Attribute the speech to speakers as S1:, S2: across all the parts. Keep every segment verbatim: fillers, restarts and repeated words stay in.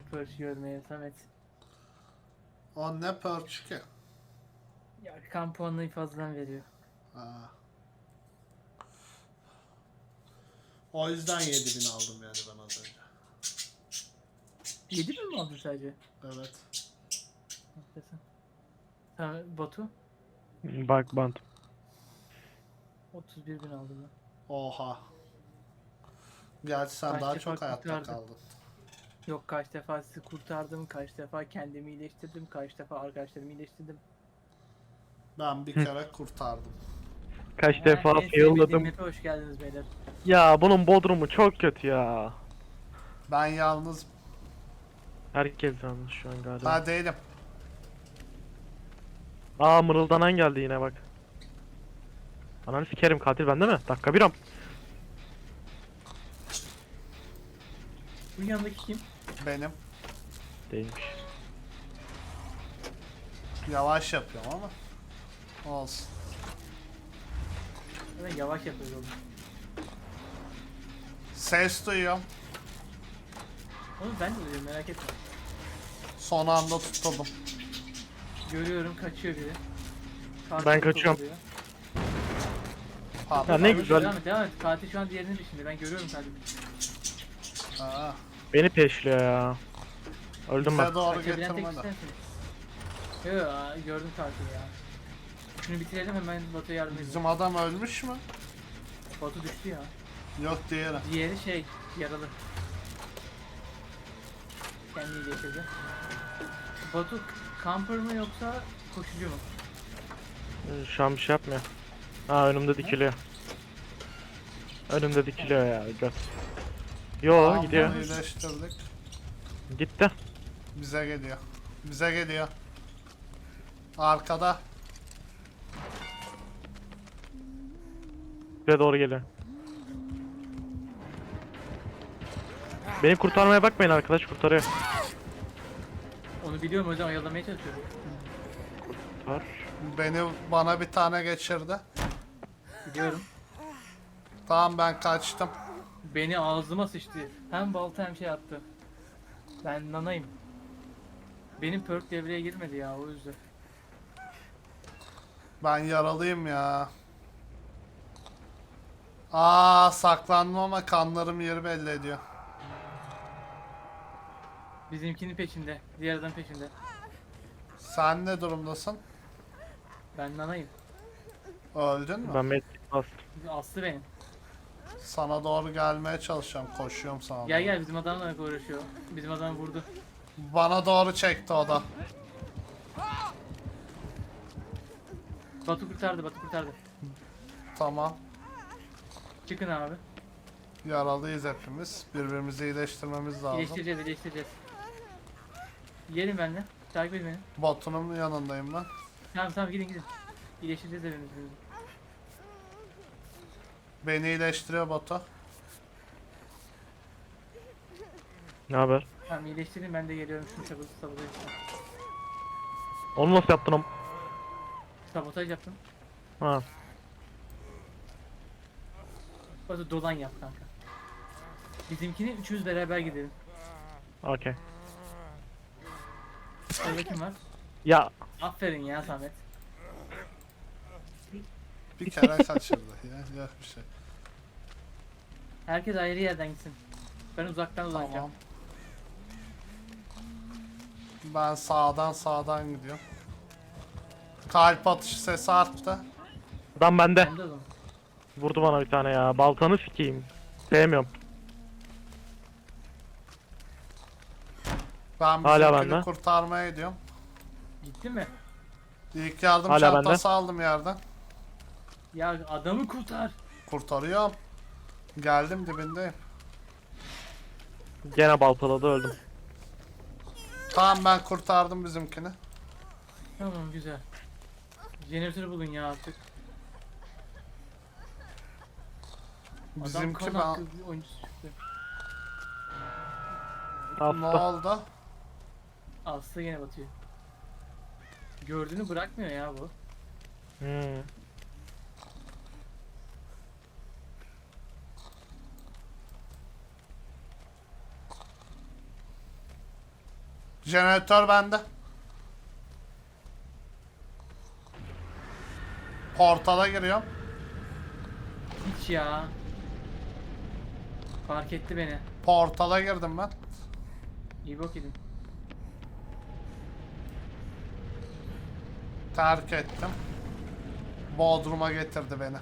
S1: perch görmeye Samet.
S2: O ne perch ki?
S1: Ya kan puanını fazladan veriyor.
S2: Ha. O yüzden yedi bin aldım yani ben az önce.
S1: yedi bin mi aldın sadece?
S2: Evet.
S1: Haklısın. Sen Batu?
S3: Bak bant.
S1: otuz bir bin aldım ben.
S2: Oha. Gerçi sen
S1: Kaç
S2: daha
S1: defa
S2: çok hayatta
S1: kurtardı?
S2: kaldın.
S1: Yok kaç defa sizi kurtardım, kaç defa kendimi iyileştirdim, kaç defa arkadaşlarımı iyileştirdim.
S2: Ben bir kere kurtardım.
S3: Kaç
S1: Ha,
S3: defa
S1: en sevmediğim
S3: failladım.
S1: map'e hoş geldiniz beyler.
S3: Ya bunun bodrumu çok kötü ya.
S2: Ben yalnız...
S3: Herkes yanlış şu an galiba.
S2: Ha değilim.
S3: Aa mırıldanan geldi yine bak. Ananı sikerim, katil bende mi? Dakika bir am.
S1: Bu yanındaki kim?
S2: Benim.
S3: Değilmiş.
S2: Yavaş yapıyorum ama. Olsun.
S1: Ben yavaş yapıyoruz oğlum.
S2: Ses duyuyorum.
S1: Oğlum ben de duyuyorum merak etme.
S2: Son anda tutuldum.
S1: Görüyorum kaçıyor biri. Katil
S3: Ben kaçıyorum.
S1: oluyor.
S2: Pardon.
S3: Ya ne
S1: Devam et,
S3: güzel.
S1: Devam et, devam et. Katil şu an diğerinin peşinde. Ben görüyorum katili.
S2: Ha.
S3: Beni peşliyor ya. Öldüm ben.
S2: Bize doğru
S1: Kaçabilen tek
S2: getirme de.
S1: sensin. Yo aa, gördüm katili ya. Şunu bitirelim hemen Batu'ya yardım edeyim.
S2: Bizim adam ölmüş mü?
S1: Batu düştü ya.
S2: Yok diğeri.
S1: Diğeri şey yaralı. Kendi iyileştirdi. Batu camper mı yoksa koşucu mu?
S3: Şu an bir şey yapmıyor. Aa önümde dikiliyor. Önümde dikiliyor ya göt. Yo
S2: Tamam,
S3: gidiyor.
S2: bunu iyileştirdik.
S3: Gitti.
S2: Bize geliyor. Bize geliyor. Arkada.
S3: Bize doğru geliyor. Beni kurtarmaya bakmayın, arkadaş kurtarıyor.
S1: Onu biliyorum o yüzden oyalamaya çalışıyorum.
S3: Var.
S2: Beni bana bir tane geçirdi.
S1: Biliyorum.
S2: Tamam ben kaçtım.
S1: Beni ağzıma sıçtı. Hem balta hem şey attı. Ben nanayım. Benim perk devreye girmedi ya o yüzden.
S2: Ben yaralıyım ya. Aa saklandım ama kanlarım yeri belli ediyor.
S1: Bizimkinin peşinde. Diğer adam peşinde.
S2: Sen ne durumdasın?
S1: Ben nanayım.
S2: Öldün mü?
S3: Ben medkit bastım.
S1: Aslı benim.
S2: Sana doğru gelmeye çalışıyorum. Koşuyorum sana.
S1: Gel
S2: doğru.
S1: gel bizim adamla uğraşıyor. Bizim adam vurdu.
S2: Bana doğru çekti o da.
S1: Batu kurtardı, Batu kurtardı.
S2: Tamam.
S1: Çıkın abi.
S2: Yaralıyız hepimiz. Birbirimizi iyileştirmemiz lazım.
S1: İyileştireceğiz, iyileştireceğiz. Gelin benimle. Takip edin beni.
S2: Botunun yanındayım ben.
S1: Tamam tamam gidin gidin. İyileştireceğiz hepimiz.
S2: Beni iyileştiriyor botu.
S3: Ne haber?
S1: Tamam iyileştirin ben de geliyorum şunu sabotaj sabotaj yapacağım.
S3: Onu nasıl yaptın am?
S1: Sabotaj yaptım.
S3: Ha.
S1: Batu dolan yap kanka. Bizimkini üçümüz beraber gidelim.
S3: Okey.
S1: Orada kim var?
S3: Ya
S1: Aferin ya Samet.
S2: Bir kere kaçırdı. Ya, yok bir şey.
S1: Herkes ayrı yerden gitsin. Ben uzaktan dolanacağım.
S2: Tamam. Ben sağdan sağdan gidiyorum. Kalp atışı sesi arttı.
S3: adam bende.
S1: Ben de o zaman.
S3: Vurdu bana bir tane ya. Baltanı sikeyim. Sevmiyorum.
S2: Ben
S3: Hala
S2: bizimkini
S3: bende.
S2: kurtarmaya gidiyorum.
S1: Gitti mi?
S2: İlk yardım
S3: Hala
S2: çantası aldım yerden.
S1: Ya adamı kurtar.
S2: Kurtarıyorum. Geldim dibindeyim.
S3: Gene baltaladı, öldüm.
S2: Tamam ben kurtardım bizimkini.
S1: Tamam güzel. Jeneratörü bulun ya artık. Adam
S2: Bizimki
S1: kan
S2: ben...
S1: hakkı bir oyuncusu çıktı.
S2: Ne
S3: Hasta.
S2: oldu?
S1: Aslı yine batıyor. Gördüğünü bırakmıyor ya bu.
S3: Hmm.
S2: Jeneratör bende. Portala giriyorum.
S1: Hiç ya. Fark etti beni.
S2: Portala girdim ben.
S1: İyi bok edin.
S2: Terk ettim. Bodrum'a getirdi beni.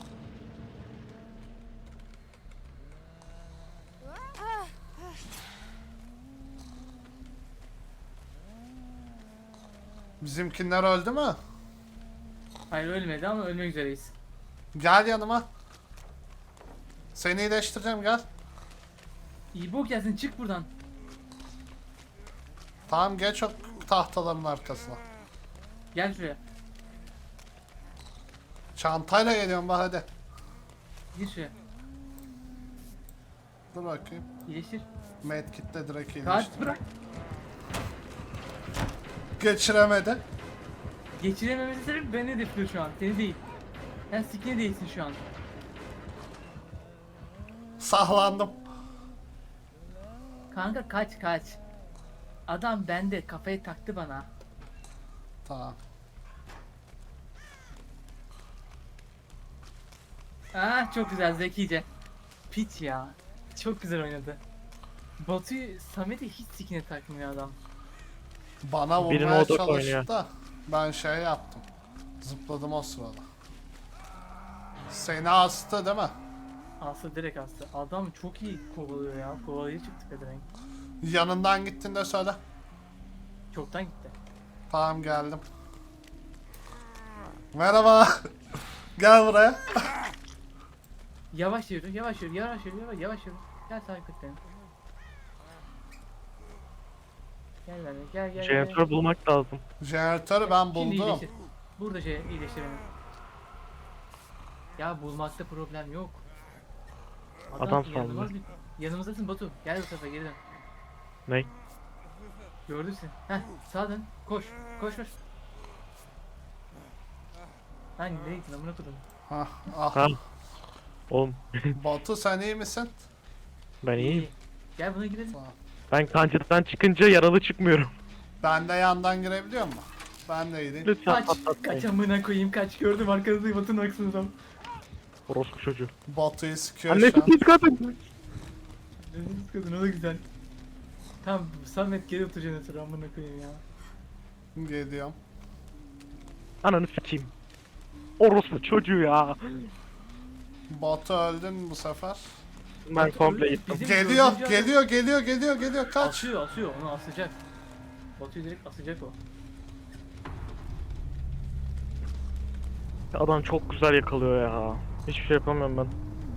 S2: Bizimkinler öldü mü?
S1: Hayır ölmedi ama ölmek üzereyiz.
S2: Gel yanıma. Seni iyileştireceğim, gel.
S1: İyi bok gelsin, çık buradan.
S2: Tamam, geç o tahtaların arkasına.
S1: Gel şuraya.
S2: Çantayla geliyorum bak, hadi.
S1: Gir şuraya.
S2: Dur bakayım.
S1: İyileştir.
S2: Medkit'te direkt iyileştir.
S1: Kaç bırak.
S2: Geçiremedi.
S1: Geçirememesi sebebi beni hedefliyor şu an. Seni değil. Sen sikine değilsin şu an.
S2: Sahlandım.
S1: Kanka kaç kaç. Adam bende, kafayı taktı bana.
S2: Tamam.
S1: Ah çok güzel, zekice. Piç ya. Çok güzel oynadı. Batu'yu, Samet'i hiç sikine takmıyor adam.
S2: Bana
S3: Birini
S2: vurmaya
S3: o da
S2: çalıştı
S3: oynuyor.
S2: da ben şey yaptım. Zıpladım o sırada. Seni astı değil mi?
S1: Aslı direkt astı. Adam çok iyi kovalıyor ya. Kovalayıcı çıktı pedevenk.
S2: Yanından gittin de söyle.
S1: Çoktan gitti.
S2: Tamam, geldim. Merhaba. Gel buraya.
S1: Yavaş yürü, yavaş yürü, yavaş yürü, yavaş, yavaş yürü. Gel takip et beni. Gel benimle, gel gel. gel.
S3: Jeneratör bulmak lazım.
S2: Jeneratörü ben
S1: Şimdi
S2: buldum.
S1: iyileştir. Burada şey iyileştir beni. Ya bulmakta problem yok.
S3: Adam
S1: yanılmaz
S3: sandı.
S1: bir- Yanımızdasın Batu. Gel bu sefer geri dön.
S3: Ne?
S1: Gördün sen. Heh sağa dön. Koş. Koş koş. Lan nereye gittin amına kodum.
S2: Hah, ah.
S3: Ha? Oğlum
S2: Batu, sen iyi misin?
S3: ben iyiyim.
S1: İyi. Gel buna girelim.
S2: Tamam.
S3: Ben kancadan çıkınca yaralı çıkmıyorum.
S2: Ben de yandan girebiliyor mu? Ben de iyiyim.
S3: Lütfen
S1: Kaç. Kaç
S3: patlatmayın.
S1: amına koyayım kaç. Gördüm arkanızda Batu'nun aksınızdan.
S3: Orospu çocuğu.
S2: Batu'yu sıkıyor
S3: Anne
S2: şu an.
S3: pis kadın.
S1: Deniz kadın o da güzel. Tamam Samet geri otur jeneratörü amına koyayım ya.
S2: Geliyorum.
S3: Ananı sikeyim. Orospu çocuğu ya.
S2: Batu, öldün bu sefer.
S3: Ben
S1: Batu
S3: komple
S1: öldü.
S3: gittim.
S1: Bizim
S2: Geliyor,
S1: dördüncü adam-
S2: geliyor, geliyor, geliyor, geliyor. Kaç.
S1: Asıyor asıyor onu asacak. Batu'yu direkt asacak o.
S3: Adam çok güzel yakalıyor ya. Hiçbir şey yapamıyorum ben.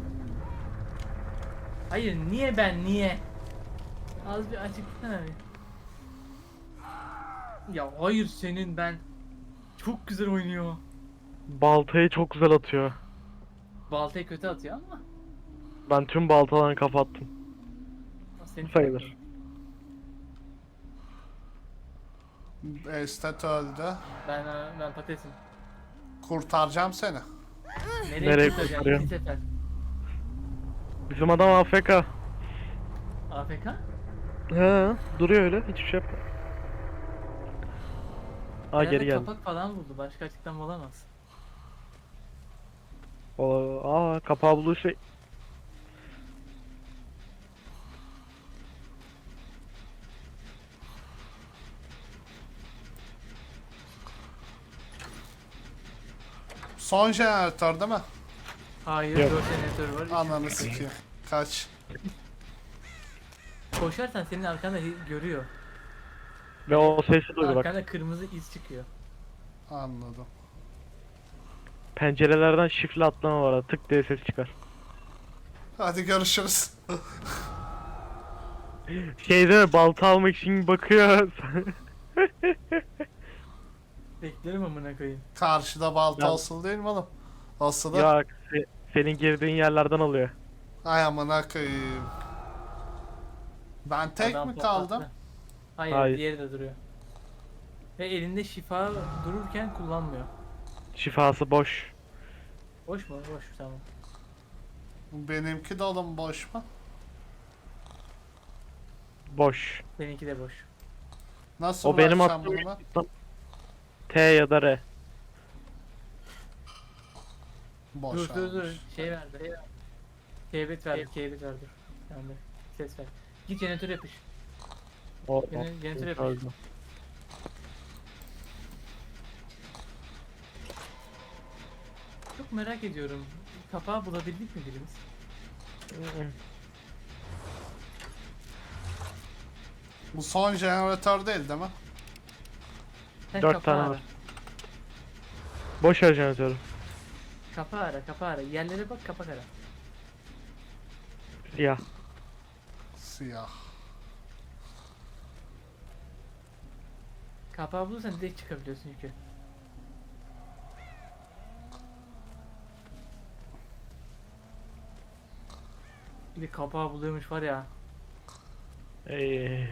S1: Hayır niye ben niye? Az bir açıklasana bir. Ya hayır senin ben. Çok güzel oynuyor.
S3: Baltayı çok güzel atıyor.
S1: Baltayı kötü atıyor ama.
S3: Ben tüm baltalarını kapattım.
S1: Senin
S3: Sayılır.
S2: Estet öldü.
S1: Ben ben patatesim.
S2: Kurtaracağım seni.
S1: Nereye,
S3: Nereye
S1: kurtaracağım?
S3: kurtarıyor?
S1: İki sefer.
S3: Bizim adam A F K.
S1: A F K?
S3: He, duruyor öyle. Hiçbir şey yapmıyor. Aa
S1: Herhalde
S3: geri geldi.
S1: kapak falan buldu. Başka açıklama olamaz.
S3: O, aa kapağı bulduğu şey.
S2: Son jeneratör değil mi?
S1: Hayır,
S3: Yok.
S1: dört jeneratör var. üç
S2: Ananı
S1: jeneratör.
S2: sikeyim. Kaç.
S1: Koşarsan senin arkanda hi- görüyor.
S3: Ve o sesi duydu bak.
S1: Arkanda kırmızı iz çıkıyor.
S2: Anladım.
S3: Pencerelerden şifre atlama var. Tık diye ses çıkar.
S2: Hadi görüşürüz.
S3: Şey değil mi? Balta almak için bakıyor.
S1: Beklerim amına koyayım.
S2: Karşıda balta
S3: Ya-
S2: asılı değil mi oğlum? Asılı.
S3: Ya se- senin girdiğin yerlerden alıyor.
S2: Ay amına koyayım. Ben tek
S1: Adam
S2: mi
S1: patlattı.
S2: kaldım?
S1: Hayır,
S3: Hayır.
S1: diğeri de duruyor. Ve elinde şifa dururken kullanmıyor.
S3: Şifası boş.
S1: Boş mu? Boş tamam.
S2: Benimki dolu mu, boş mu?
S3: Boş.
S1: Seninki de boş.
S2: Nasıl
S3: O benim
S2: bırakacağım
S3: attığım
S2: bunu ben?
S3: T ya da R.
S2: Boş
S1: Dur dur dur.
S2: almış.
S1: Şey verdi. Keybet verdi. Keybet verdi. Yani ses ver. Git jeneratör yapış.
S3: O, o.
S1: Yine jeneratör yapış.
S3: Öldü.
S1: Çok merak ediyorum. Kapağı bulabildik mi birimiz?
S2: Bu son jeneratör değil değil mi?
S1: Sen
S3: Dört
S1: kapağı
S3: tane
S1: ara.
S3: var. Boş ver jeneratörü.
S1: Kapağı ara, kapağı ara. Yerlere bak, kapak ara.
S3: Siyah.
S2: Siyah.
S1: Kapağı bulursan direkt çıkabiliyorsun çünkü. Bir de kapağı buluyormuş var ya.
S3: Ee,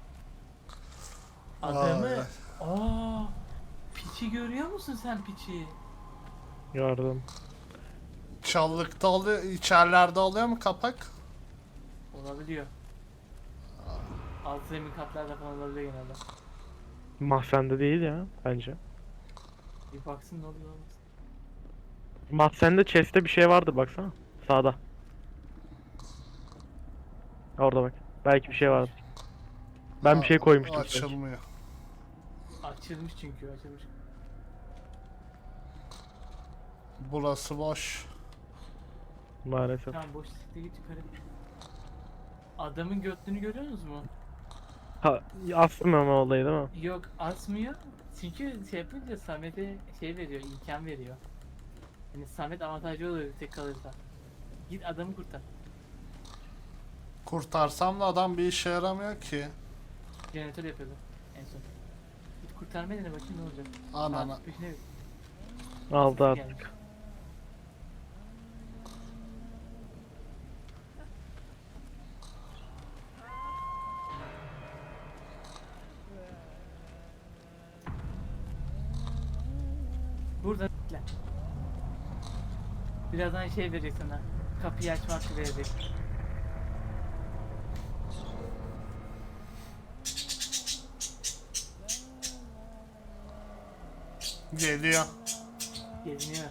S1: Adamı...
S2: Ay.
S1: Aa, piçi görüyor musun sen piçi?
S3: gördüm.
S2: Çalılıkta oluyor, içerilerde oluyor mu kapak?
S1: Olabiliyor. Alt zemin katlarda falan olabiliyor genelde.
S3: Mahzende değil ya bence.
S1: Bir baksın ne oluyor olmasın.
S3: Mahzende chest'te bir şey vardı baksana. Sağda. Orada bak. Belki bir şey vardı. Ben bir şey
S2: Aa,
S3: koymuştum. sanki.
S2: Açılmıyor.
S1: Açılmış çünkü açılmış.
S2: Burası boş.
S3: Maalesef.
S1: Tamam boş siktir git yukarı. Adamın götlüğünü görüyorsunuz mu?
S3: Ha, asmama olayı değil mi?
S1: Yok asmıyor. Çünkü şey yapınca Samet'e şey veriyor, imkan veriyor. Yani Samet avantajlı oluyor tek kalırsa. Git adamı kurtar.
S2: Kurtarsam da adam bir işe yaramıyor ki.
S1: Jeneratör yapıyordu en son. Git kurtarmaya dene bakayım ne olacak.
S2: Anana.
S1: Saat peşine git.
S3: Aldı
S1: Gelmiş.
S3: artık.
S1: Burada bekle. Birazdan şey verecek sana. Kapıyı açmak verecek.
S2: Geliyor.
S1: Geziniyor.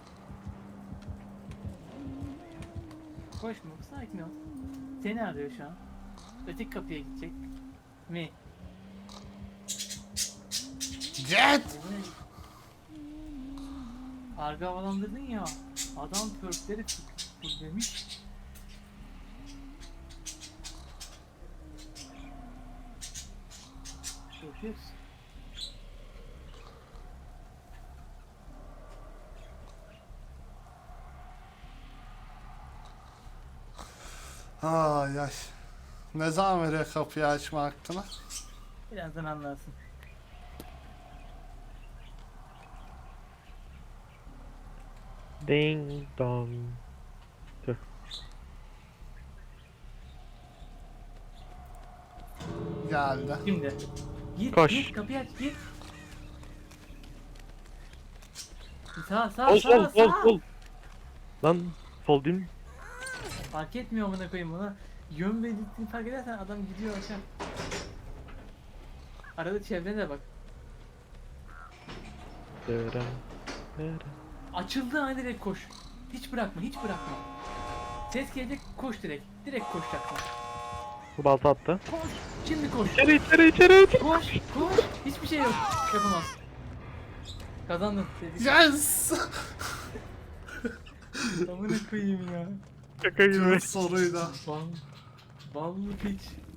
S1: Koşma, sakin ol. Seni arıyor şu an. Öteki kapıya gidecek. Mi?
S2: Jet!
S1: Karga havalandırdın ya. Adam pörkleri demiş. Yapıyoruz.
S2: Ay ay. Ne zaman veriyor kapıyı açma hakkını?
S1: Birazdan anlarsın.
S3: Ding dong. Tüh.
S2: Geldi.
S1: Şimdi. Git,
S3: Koş.
S1: git kapıyı aç, git. Sağ, sağ,
S3: Sol
S1: sağ,
S3: sol sol
S1: sağ.
S3: sol. Lan sol değil mi?
S1: Fark etmiyor amına koyayım buna. Yön ve gittiğini fark edersen adam gidiyor aşağı. Arada çevrene de bak.
S3: Dırım, dırım.
S1: Açıldığı an direkt koş. Hiç bırakma, hiç bırakma. Ses gelecek, koş direkt. Direkt koşacaksın.
S3: Bu balta attı.
S1: Koş, şimdi koş.
S3: İçeri içeri içeri içeri.
S1: Koş, koş. Hiçbir şey yok. Yapamaz. Kazandın. Tebrik.
S2: Yes!
S1: Amına koyayım ya.
S3: Şaka gibi.
S2: Tüm soruyla.
S1: Bal, ballı piç.